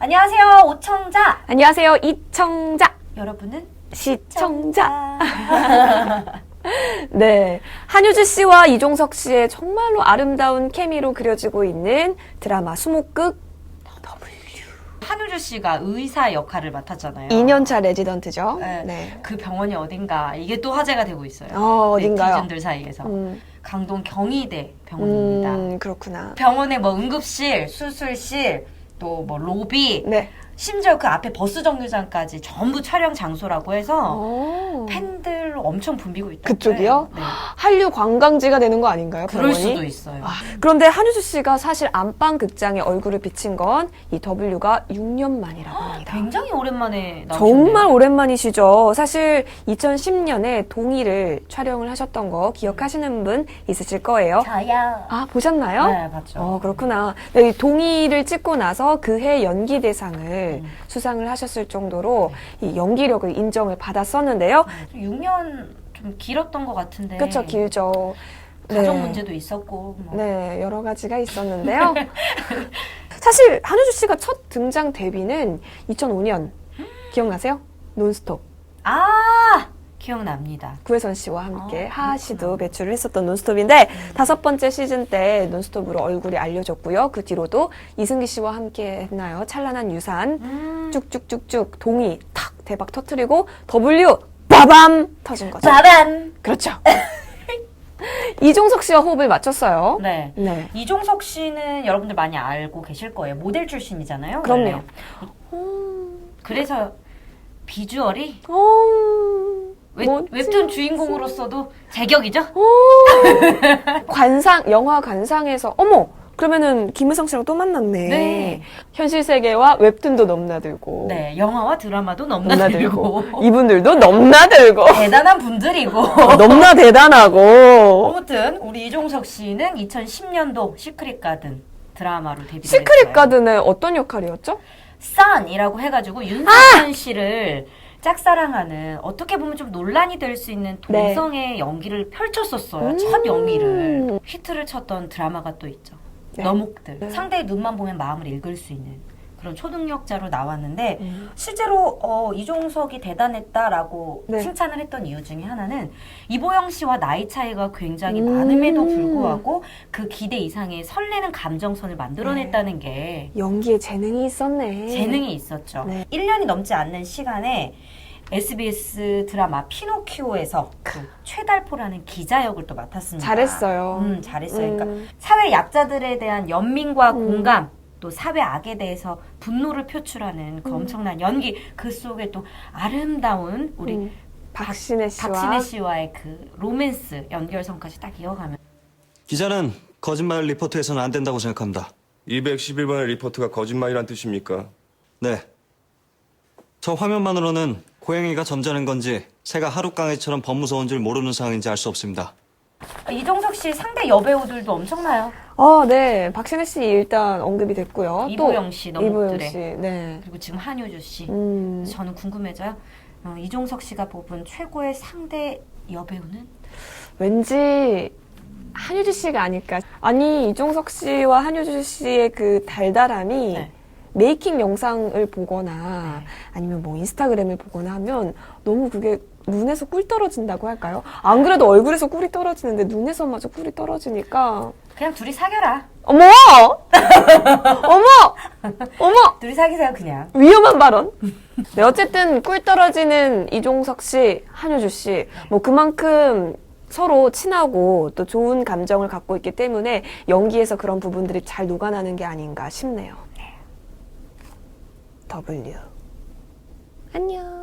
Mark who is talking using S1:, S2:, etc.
S1: 안녕하세요, 오청자.
S2: 안녕하세요, 이청자.
S1: 여러분은
S2: 시청자. 네, 한효주 씨와 이종석 씨의 정말로 아름다운 케미로 그려지고 있는 드라마 수목극 W.
S1: 한효주 씨가 의사 역할을 맡았잖아요.
S2: 2년차 레지던트죠.
S1: 네.
S2: 네.
S1: 그 병원이 어딘가 이게 또 화제가 되고 있어요.
S2: 어딘가요?
S1: 네티즌들 사이에서. 강동 경희대 병원입니다.
S2: 그렇구나.
S1: 병원에 뭐 응급실, 수술실, 또 뭐 로비,
S2: 네.
S1: 심지어 그 앞에 버스 정류장까지 전부 촬영 장소라고 해서
S2: 오.
S1: 팬들 엄청 붐비고 있다.
S2: 그쪽이요?
S1: 네.
S2: 한류 관광지가 되는 거 아닌가요?
S1: 그럴
S2: 병원이?
S1: 수도 있어요.
S2: 그런데 한효주 씨가 사실 안방 극장에 얼굴을 비친 건 이 W가 6년 만이라고 합니다.
S1: 굉장히 오랜만에 나오셨네요.
S2: 정말 오랜만이시죠. 사실 2010년에 동의를 촬영을 하셨던 거 기억하시는 분 있으실 거예요.
S1: 저요.
S2: 아, 보셨나요?
S1: 네, 봤죠.
S2: 그렇구나. 네, 이 동의를 찍고 나서 그해 연기대상을 수상을 하셨을 정도로 이 연기력을 인정을 받았었는데요.
S1: 6년 좀 길었던 것 같은데.
S2: 그쵸, 길죠.
S1: 가정
S2: 네.
S1: 문제도 있었고. 뭐.
S2: 네, 여러 가지가 있었는데요. 사실 한효주 씨가 첫 등장 데뷔는 2005년 기억나세요? 논스톱.
S1: 아, 기억납니다.
S2: 구혜선 씨와 함께 하하
S1: 그렇구나.
S2: 씨도 배출을 했었던 논스톱인데 5번째 시즌 때 논스톱으로 얼굴이 알려졌고요. 그 뒤로도 이승기 씨와 함께 했나요? 찬란한 유산 쭉쭉쭉쭉 동의 탁 대박 터트리고 W 빠밤 터진 거죠.
S1: 짜란!
S2: 그렇죠. 이종석 씨와 호흡을 맞췄어요.
S1: 네.
S2: 네.
S1: 이종석 씨는 여러분들 많이 알고 계실 거예요. 모델 출신이잖아요.
S2: 그럼요.
S1: 원래. 그래서 비주얼이
S2: 멋지.
S1: 웹툰 주인공으로서도 제격이죠?
S2: 영화 관상에서 어머 그러면은 김혜성 씨랑 또 만났네.
S1: 네.
S2: 현실 세계와 웹툰도 넘나들고.
S1: 네. 영화와 드라마도
S2: 넘나들고.
S1: 넘나들고.
S2: 이분들도 넘나들고.
S1: 대단한 분들이고.
S2: 넘나 대단하고.
S1: 아무튼 우리 이종석 씨는 2010년도 시크릿 가든 드라마로 데뷔를
S2: 시크릿
S1: 했어요.
S2: 가든의 어떤 역할이었죠?
S1: 썬이라고 해가지고 윤석현 씨를 짝사랑하는 어떻게 보면 좀 논란이 될 수 있는 동성의 연기를 펼쳤었어요. 첫 연기를. 히트를 쳤던 드라마가 또 있죠.
S2: 네.
S1: 너목들.
S2: 네.
S1: 상대의 눈만 보면 마음을 읽을 수 있는 그런 초능력자로 나왔는데 실제로 이종석이 대단했다라고
S2: 네.
S1: 칭찬을 했던 이유 중에 하나는 이보영 씨와 나이 차이가 굉장히 많음에도 불구하고 그 기대 이상의 설레는 감정선을 만들어냈다는 게
S2: 연기에 재능이 있었네.
S1: 재능이 있었죠.
S2: 네.
S1: 1년이 넘지 않는 시간에 SBS 드라마 피노키오에서 그 최달포라는 기자 역을 또 맡았습니다.
S2: 잘했어요.
S1: 잘했어요. 그러니까 사회 약자들에 대한 연민과 공감, 또 사회 악에 대해서 분노를 표출하는 그 엄청난 연기, 그 속에 또 아름다운 우리
S2: 박신혜 씨와
S1: 박신혜 씨와의 그 로맨스 연결선까지 딱 이어가면
S3: 기자는 거짓말 리포트해서는 안 된다고 생각합니다.
S4: 211번의 리포트가 거짓말이란 뜻입니까?
S3: 네. 저 화면만으로는 고양이가 점잖은 건지 새가 하룻강에처럼 범무서운 줄 모르는 상황인지 알 수 없습니다.
S1: 이종석 씨 상대 여배우들도 엄청나요.
S2: 네. 박신혜 씨 일단 언급이 됐고요.
S1: 이보영 씨,
S2: 또 이보영
S1: 너목들의.
S2: 씨. 네.
S1: 그리고 지금 한효주 씨.
S2: 음.
S1: 저는 궁금해져요. 이종석 씨가 뽑은 최고의 상대 여배우는?
S2: 왠지 한효주 씨가 아닐까. 아니, 이종석 씨와 한효주 씨의 그 달달함이
S1: 네.
S2: 메이킹 영상을 보거나 아니면 뭐 인스타그램을 보거나 하면 너무 그게 눈에서 꿀 떨어진다고 할까요? 안 그래도 얼굴에서 꿀이 떨어지는데 눈에서마저 꿀이 떨어지니까
S1: 그냥 둘이 사겨라.
S2: 어머! 어머! 어머!
S1: 둘이 사귀세요 그냥.
S2: 위험한 발언. 네, 어쨌든 꿀 떨어지는 이종석 씨, 한효주 씨, 뭐 그만큼 서로 친하고 또 좋은 감정을 갖고 있기 때문에 연기에서 그런 부분들이 잘 녹아나는 게 아닌가 싶네요. W. 안녕.